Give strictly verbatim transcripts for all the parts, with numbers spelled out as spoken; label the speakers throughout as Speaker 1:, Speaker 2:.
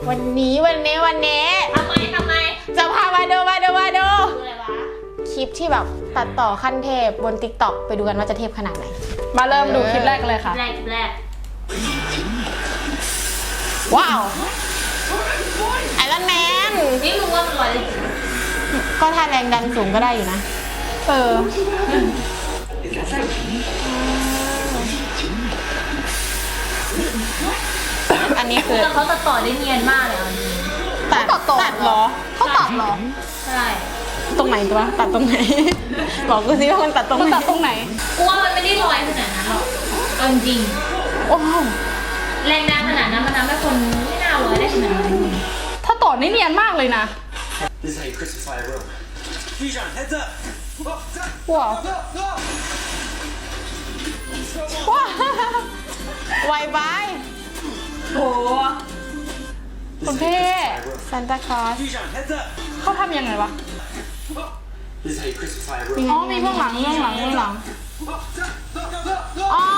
Speaker 1: วันนี้วันนี้วันนี้
Speaker 2: ทำไมทำไม
Speaker 1: จะพามาดูมาดูมาดู
Speaker 2: อะไรวะ
Speaker 1: คลิปที่แบบตัดต่อขั้นเทพบน ติ๊กต็อก ไปดูกันว่าจะเทพขนาดไหน
Speaker 3: มาเริ่มดูคลิปแรกกันเลยค่ะ
Speaker 2: แรกแรก
Speaker 1: ว้าวไอรอนแมน
Speaker 2: นี่มึงว่ามันลอยได้จริง
Speaker 1: ก็ถ้าแรงดันสูงก็ได้อยู่นะ
Speaker 3: เออ
Speaker 1: อันนี้คือ
Speaker 2: แต่เขาตัดต่อได้เนียนมากเลยอ่ะ
Speaker 1: ตัดตัดเหรอเขาตัดเหรอ
Speaker 2: ใช่
Speaker 1: ตรงไหนตัวตัดตรงไหนบอกกูสิว่ามันตัดตรงไหน
Speaker 3: ตัดตรงไหน
Speaker 2: กูว่ามันไม่ได้ลอยขนาดนั้นหรอกเอาจริง
Speaker 1: โอ้
Speaker 2: แรงดันขนาดนั้นมันทำให้คนไม่น่าลอยได้ขนาดนั้น
Speaker 3: ถ้าต่อนี่เนียนมากเลยนะ
Speaker 1: ว้าวว้าวไวบาย
Speaker 2: โอ้
Speaker 3: คุณเพ่
Speaker 1: ซันตาคลอส
Speaker 3: เขาทำยังไงวะอ๋อมีเบื้องหลังเบื้องหลังเบื้องหลัง
Speaker 1: อ๋อ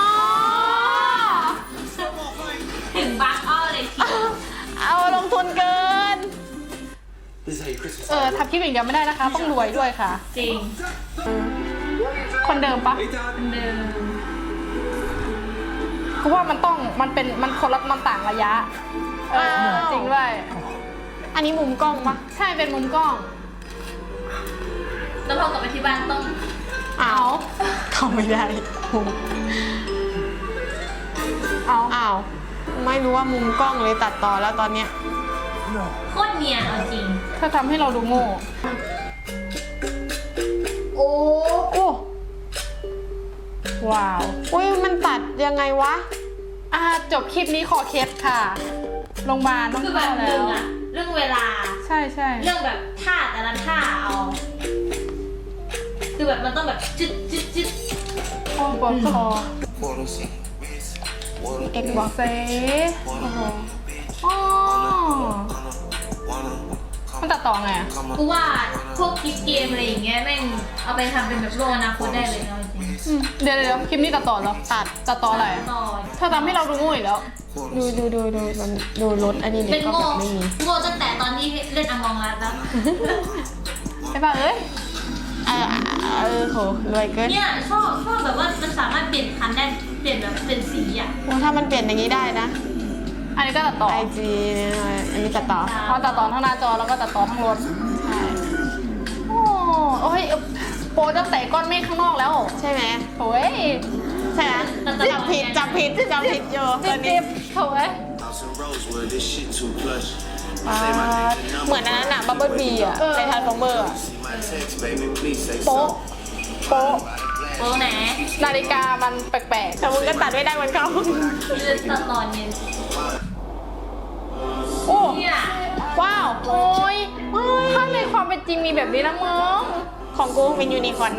Speaker 2: ถึงบักอ้อเลยที
Speaker 1: เอาลงทุนเกิน
Speaker 3: เออทำคลิปอย่างเดียวไม่ได้นะคะต้องรวยด้วยค่ะ
Speaker 2: จริง
Speaker 3: คนเดิมปะ
Speaker 2: คนเดิม
Speaker 3: กูว่ามันต้องมันเป็นมันคนละมันต่างระยะเออจริงด้วย
Speaker 1: อันนี้มุมกล้องปะ
Speaker 3: ใช่เป็นมุมกล้อง
Speaker 2: แล้วพอกลับไปที่บ้านต้อง
Speaker 1: เอาเข้าไม่ได้
Speaker 3: เอา
Speaker 1: เอาไม่รู้ว่ามุมกล้องเลยตัดต่อแล้วตอนเนี้ย
Speaker 2: โคตรเนียนเอาจริง
Speaker 3: ถ้าทำให้เราดูโง่
Speaker 1: โอ้โอ้
Speaker 3: ว้าว
Speaker 1: อุ้ยมันตัดยังไงวะ
Speaker 3: อ่าจบคลิปนี้ขอเคสค่ะโรงพยาบาลต้อง
Speaker 2: คือแบบหนึ่งอะเรื่องเวลา
Speaker 3: ใช่ใช่
Speaker 2: เรื่องแบบท่าแต่ละท่าเอาคือแบบมันต้องแบบจึ๊ดจึ๊ดจึ๊ด
Speaker 3: โอ้บอคอ
Speaker 1: เอ็กบอก
Speaker 3: เซ่โอ้โหอ๋อมันตัดต่อไงอ่ะ
Speaker 2: กูว่าพวกคลิปเกมอะไรอย่างเงี้ยแม่งเอาไปทำเป็นแบบโลกอนาคตได้เลยเนาะจริง
Speaker 3: เดี๋ยวเดี๋ยวคลิปนี้ตัดต่อเหรอตัดตัดต่ออะไรถ้าทำให้เราดูโง่อีกแล้ว
Speaker 1: ดูดูดูดูดูรถอันนี้
Speaker 2: เป็นโง่โง่ตั้งแต่ตอนที่เล่นอมองรัสแล้ว
Speaker 3: ไอ้บ้าเอ้ย
Speaker 1: เออเออโหรวยเกิน
Speaker 2: เนี่ยชอบชอบแบบว่ามันสามารถเปลี่ยนคันได้เปลี่ยนแบบเป็นสีอ่ะ
Speaker 1: โอ้ถ้ามันเปลี่ยนอย่างนี้ได้นะ
Speaker 3: อันนี้ก็ตัดต่อ
Speaker 1: ไอจีเนี่ยอันนี้ตัดต่อ
Speaker 3: เขาตัดต่อทั้งหน้าจอแล้วก็ตัดต่อทั้งรถ
Speaker 1: ใช่
Speaker 3: โอ้โอ้ยโปรตั้งแต่ก้อนเมฆข้างนอกแล้ว
Speaker 1: ใช่ไหม
Speaker 3: โอ้ย
Speaker 1: ใช่ไหมจับผิดจับผิดจับผิดอยู่ตอนนี้
Speaker 3: โถ่เอ้ย
Speaker 1: เหมือนอันนั้นอะบับเบิ้ลบีอะในทานฟอร์เมอร์อะ
Speaker 3: โป๊ะโป๊ะ
Speaker 2: โป๊ะไหน
Speaker 3: นาฬิกามันแปลกๆ
Speaker 1: แต่มึงก็ตัดไม่ได้เหมือนเขา
Speaker 2: คือตัดตอนเนี่ย
Speaker 3: โอ้
Speaker 1: ว้าว
Speaker 3: โอ้ยถ้าในความเป็นจริงมีแบบนี้นะมึง
Speaker 1: ของกูเป็นยูนิคอร์น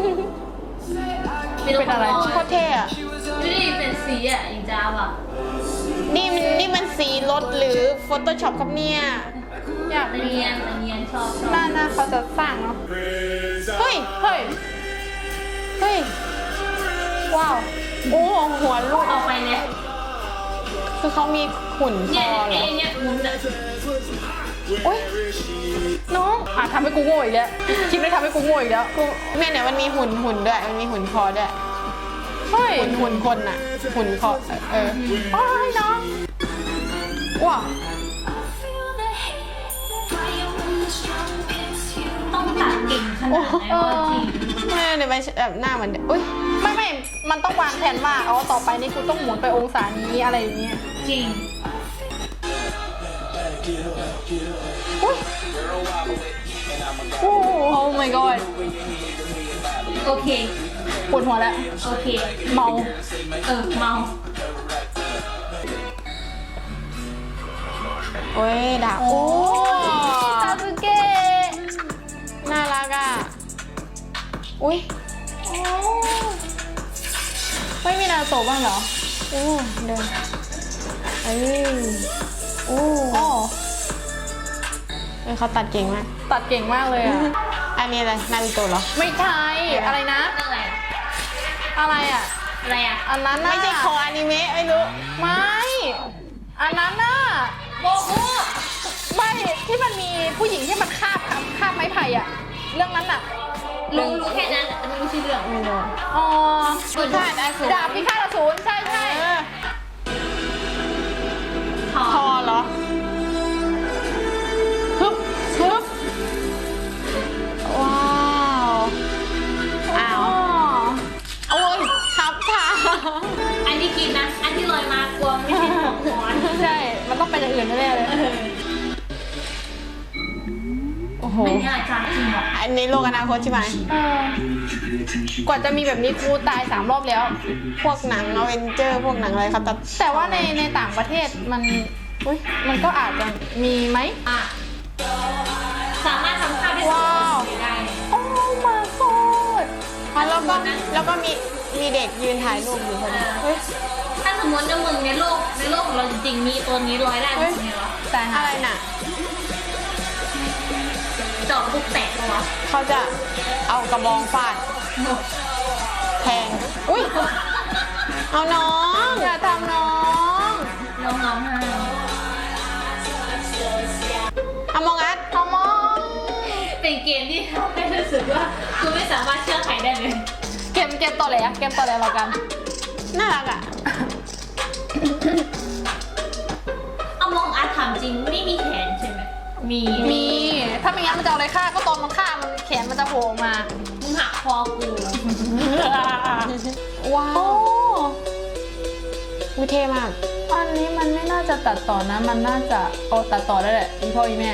Speaker 3: เป็นอะไร
Speaker 1: โคตรเท่อะ
Speaker 2: ดูดิเป็นสีอะอีจ้าว่ะ
Speaker 1: นี่มันนี่มันสีรถหรือโฟโต้ช็อปครับเนี่ย
Speaker 3: อยาก
Speaker 2: เนียนเนียนชอบชอบ
Speaker 3: น่าน่าเขาจะสร้างเนาะ
Speaker 1: เฮ้ย
Speaker 3: เฮ้ย
Speaker 1: เฮ้ยว้าวโอ้หัวลูก
Speaker 2: เอาไปเลย
Speaker 1: คือเขามีหุ่นคอเหรอ
Speaker 2: เนี่ยมุนอะ
Speaker 1: โอ้ยน้อง
Speaker 3: อ่ะทำให้กูโง่อีกแล้วคลิปนี้ทำให้กูโง่อีกแล้ว
Speaker 1: กูเนี่ยเนี่ยมันมีหุ่นหุ่นด้วยมันมีหุ่นคอด้วย
Speaker 3: เฮ้ย
Speaker 1: หุ่นหุ่นคนอะหุ่นคอเออ
Speaker 3: โอ้ยน้อง
Speaker 1: ว้าว
Speaker 2: ต้องตัดเก่งขนาดไหนวะจริง
Speaker 1: ไม่เนี่ยไปแบบหน้าเหมือนอุ้ย
Speaker 3: ไม่ไม่มันต้องวางแผนว่าอ๋อต่อไปนี่กูต้องหมุนไปองศานี้อะไรอย่างเงี้ย
Speaker 2: จริง
Speaker 3: อุ้ยโอ้ oh my god
Speaker 2: โอเค
Speaker 3: ปวดหัวแล้ว
Speaker 2: โอเค
Speaker 3: เมา
Speaker 2: เออเมา
Speaker 1: โอ้ยดาบโอ้
Speaker 3: ซาสึเกะ
Speaker 1: น่ารักอ่ะอุ้ย
Speaker 3: ไม่มีนาโตะบ้างเหรอ
Speaker 1: โอ้เดินเอ้ยโอ้เอ้ยเขาตัดเก่งมาก
Speaker 3: ตัดเก่งมากเลยอ่ะ
Speaker 1: อันนี้อะไรนารูโตะเหรอ
Speaker 3: ไม่ใช่อะไรนะ
Speaker 2: อะไร
Speaker 3: อะไรอ่ะ
Speaker 2: อะไรอ่ะ
Speaker 3: อันนั้น
Speaker 1: ไม่ใช่คออนิเมะไม่รู้
Speaker 3: ไม่อันนั้นน่ะ
Speaker 2: โกคุ
Speaker 3: ที่มันมีผู้หญิงที่มันคาบคาบไม้ไผ่อะเรื่องนั้นอะ
Speaker 2: รู้รู้แค่นั้นแต่ไม่รู้ชื่อเรื่อง
Speaker 4: ไม่รู้
Speaker 3: อ๋อ
Speaker 4: พิฆาตอสูร
Speaker 3: ดาบพิฆาตอสูรใช่ใช่
Speaker 4: เออ
Speaker 2: ทอ
Speaker 4: ทอเหรอ
Speaker 3: ฮึบฮึบ
Speaker 4: ว้าวอ้าว
Speaker 3: อ๋อ
Speaker 4: โอ้ยครับค่ะ
Speaker 2: อันที่กินนะอันที่ลอยมากลัวไม่ใช่ของหอน
Speaker 3: ใช่ มันต้องเป็นอย่างอื่นแน่ๆเลย โอ้โห
Speaker 2: ไม่เนี่ยจานจริงหรอ
Speaker 4: อันนี้โลกอนาคตใช่ไหม
Speaker 3: เออกว่าจะมีแบบนี้ครูตายสามรอบแล้ว
Speaker 4: พวกหนังอเวนเจอร์พวกหนังอะไรครับแต่
Speaker 3: แต่ว่าในในต่างประเทศมันอุ๊ยมันก็อาจจะมีไหม
Speaker 2: อ่ะสามารถทำข้าวได้สองคนได้
Speaker 3: โอ้ my god
Speaker 4: อ๋อแล้วก็แล้วก็มีมีเด็กยืนถ่ายรูปอยู่คนนี้เฮ้ย
Speaker 2: ถ้าสมมติในมึงในโลกในโลกของเราจริงๆมีตัวนี้ร้อยได้ไหมวะ
Speaker 3: แต่หา
Speaker 4: อะไรน่ะ
Speaker 2: จอบปุ๊บแตกปะวะ
Speaker 4: เขาจะเอากระบองฟาดแทงอุ้ยเอาน้อง
Speaker 3: อย่าทำน้อง
Speaker 2: น้องร้องไห้
Speaker 4: เอามองอัด
Speaker 3: ทำมอง
Speaker 2: เป็นเกมที่ทำให้รู้สึกว่ากูไม่สามารถเชื่อใครได้เลย
Speaker 3: เกมเกมต่อแหลเกมต่อแหลเรากัน
Speaker 4: น่ารักอ่ะ
Speaker 2: เอามองอาถามจริงไม่มีแขนใช่ไหมมี
Speaker 3: มี ถ้าไม่งั้นมันจะเอาอะไรฆ่าก็ตอนมันฆ่ามันแขนมันจะโผล่ออกมา
Speaker 2: มึงหักคอกู
Speaker 4: ว้า
Speaker 3: โอ้
Speaker 4: ววิเท่มาก
Speaker 3: อันนี้มันไม่น่าจะตัดต่อนะ มันน่าจะเอาตัดต่อได้แหละอีพ่ออีแม่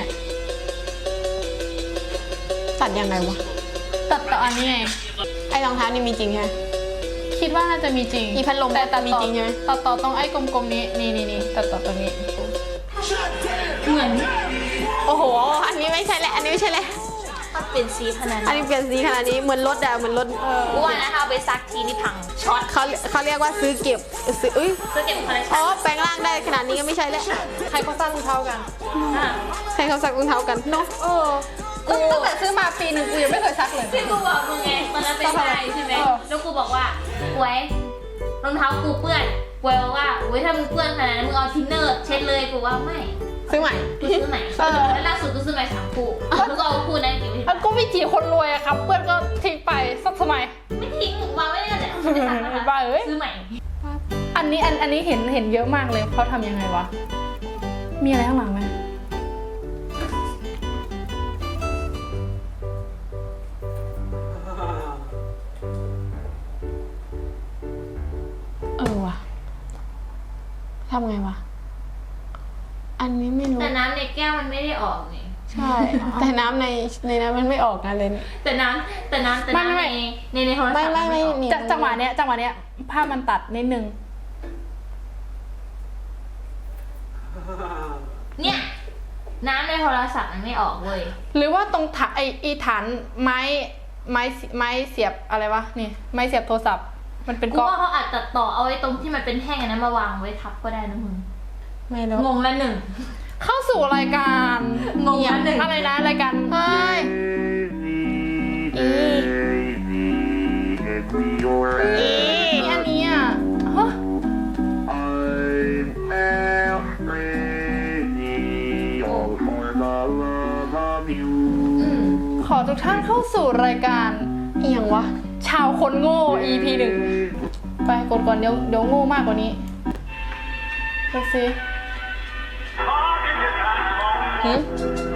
Speaker 4: ตัดยังไงวะ
Speaker 3: ตัดต่ออันนี้ไง
Speaker 4: ไอ้รองเท้านี่มีจริงใช่ไหม
Speaker 3: คิดว่าน่าจะมีจริง
Speaker 4: อีพัดลม
Speaker 3: แต่ตัด
Speaker 4: มี
Speaker 3: ต่อ
Speaker 4: จริงใช่ไหม
Speaker 3: ตัดต่อตรงไอ้กลมๆนี้ นี่นี่นี่ตัดต่อตรงนี้
Speaker 2: เหมือน
Speaker 4: โอ้โห อันนี้ไม่ใช่แหละ อันนี้ไม่ใช่แหละ
Speaker 2: ถ้าเป็นสีขนาด
Speaker 4: อันนี้เปลี่ยนสีขนาดนี้เหมือนรถอะเหมือนรถ
Speaker 2: กูว่านะถ้าเอาไปซักทีนี่พังช็อต
Speaker 4: เขาเขาเรียกว่าซื้อเก็บซื้ออุ้ย
Speaker 2: เพื่อเก็บคอลเลค
Speaker 4: อ๋
Speaker 2: ชั่
Speaker 4: อน แปลงร่างได้ขนาดนี้ก็ไม่ใช่แล้ว
Speaker 3: ใครเขาสร้างรองเท้ากัน
Speaker 2: อ่ะ
Speaker 4: ใครเขาซักรองเท้ากันเนาะ
Speaker 3: เออกูตั้งแต่ซื้อมาปีหนึ่งกูยังไม่เคยซักเลย
Speaker 2: ที่กูบอกมึงไงตอนนั้นเป็นไงใช่ไหม
Speaker 3: เออ
Speaker 2: แล้วกูบอกว่าหวยรองเท้ากูเปื้อนหวยบอกว่าหวยถ้ามึงเปื้อนขนาดนั้นมึงเอาทินเนอร์เช็ดเลยกูว่าไม่
Speaker 4: ซื้อใหม่
Speaker 2: กูซื้อใหม่แล้วล่าสุดกูซื้อใหม่สามคู่แล้วก็เอาคู่นั้นเก็บไว้
Speaker 3: แล้วก็ไม่จีคนรวยอะครับ เพื่อนก็ทิ้งไปสักสมัย
Speaker 2: ไม่ทิ้งวางไว้ในนั้นแหละไม่ได้ซักนะคะ
Speaker 3: บ้าเอ้ย
Speaker 2: ซื้อใหม่
Speaker 3: อันนี้อันอันนี้เห็นเห็นเยอะมากเลยเขาทำยังไงวะ มีอะไรข้างหลังไหมเออว่ะ
Speaker 4: ทำไงวะ อันนี้ไม่รู้
Speaker 2: แต่น้ำในแก้วมันไม่ได้ออกนี่
Speaker 4: ใช่ แต่น้ำในในนั้นมันไม่ออกกันเลย
Speaker 2: แต่น้ำแต่น้ำแต่
Speaker 3: ไม่
Speaker 2: น้ำ
Speaker 3: ไม่
Speaker 2: ในในในโทรศัพท์
Speaker 4: ไม่ไม่ไม่
Speaker 2: ออก
Speaker 4: นี่
Speaker 3: จะจังหวะเนี้ยจังหวะเนี้ยภาพมันตัดนิดนึง
Speaker 2: เนี่ยน้ำในโทรศัพท์มันไม่ออกเว้ย
Speaker 3: หรือว่าตรงถาไออีฐานไม้ไม้ไม้เสียบอะไรวะนี่ไม้เสียบโทรศัพท์ มันเป็น
Speaker 2: กู
Speaker 3: ก๊อก
Speaker 2: ว่าเขาอาจตัดต่อเอาไว้ตรงที่มันเป็นแท่งอันนั้นมาวางไว้ทับก็ได้นะมึง
Speaker 4: ไม่รู้
Speaker 2: งงละหนึ่ง
Speaker 3: เข้าสู่รายการ
Speaker 2: งงละหนึ่ง
Speaker 3: อะไรนะรายการ
Speaker 4: เฮ้ย อี อี
Speaker 3: อันนี้อ่ะฮะ
Speaker 2: อืม
Speaker 3: ขอทุกท่านเข้าสู่รายการ
Speaker 4: เอียงวะ
Speaker 3: ชาวคนโง่ อี พี หนึ่งไปกดก่อนเดี๋ยวเดี๋ยวโง่มากกว่านี้ดูสิ
Speaker 4: หืม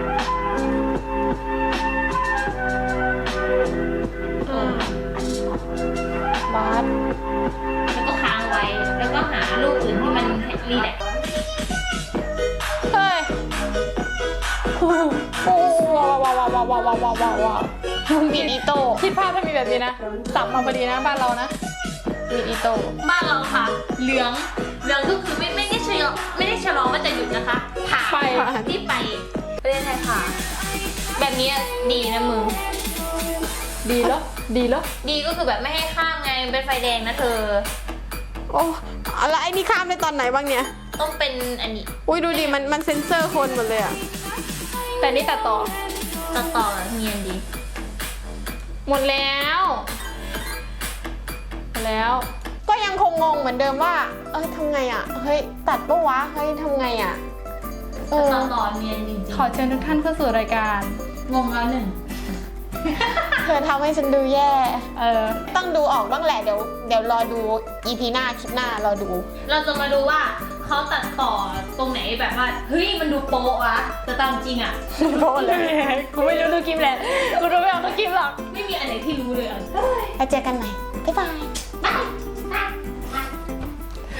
Speaker 4: บาส
Speaker 2: แล้วก็ค้างไว้ แล้วก็หารูปอื่นที่มันรีแลกซ์
Speaker 3: เฮ้ยโอ้โหว้าวว้าวว้าวว้าวว้าวว้าวว้าวว้าว
Speaker 4: มีดอิโต้
Speaker 3: คิดภาพถ้ามีแบบนี้นะสับมาพอดีนะบ้านเรานะ
Speaker 4: มีดอิโต้
Speaker 2: บ้านเราค่ะ เหลือง เหลืองก็คือไม่ไม่ได้ชะลอไม่ได้ชะลอว่าจะหยุดนะคะผ่า
Speaker 3: ไป
Speaker 2: ที่ไปประเทศไทยค่ะ แบบนี้ดีนะมึง
Speaker 3: ดีแล้ว ดีแล้ว
Speaker 2: ดีก็คือแบบไม่ให้ข้ามไงเป็นไฟแดงนะเธอ
Speaker 4: โอ้แล้วไอ้นี่ข้ามได้ตอนไหนบ้างเนี่ย
Speaker 2: ต้องเป็นอันนี้
Speaker 4: อุ้ยดูดิ มันมันเซ็นเซอร์คนหมดเลยอะ
Speaker 3: แต่นี่ตัดต่อ
Speaker 2: ต่อต่อแบบเนียนดี
Speaker 3: หมดแล้วหมดแล้ว
Speaker 4: ก็ยังคงงงเหมือนเดิมว่า เอ้ยทำไงอะเฮ้ย ตัดปะวะ เฮ้ยทำไงอะเออ
Speaker 2: ต่อต่อเนียนจริง
Speaker 3: ขอเชิญทุกท่านเข้าสู่รายการ
Speaker 2: ๆงงแล้วหนึ่ง
Speaker 4: เธอทำให้ฉันดูแย่
Speaker 3: เออ
Speaker 4: ต้องดูออกบ้างแหละ เดี๋ยวเดี๋ยวรอดู อี พี หน้า คลิปหน้ารอดู
Speaker 2: เราจะมาดูว่าเขาตัดต่อตรงไหนแบบว่าเฮ้ยมันดูโป๊ะวะแต่ตามจริงอ่ะ
Speaker 4: โดนเลย
Speaker 3: กูไม่รู้ดูคลิปแหละ กูดูไม่ออกดูคลิปหรอก
Speaker 2: ไม่มีอันไหนที่รู้เลยอ่ะ
Speaker 4: แล้วเจอกันใหม่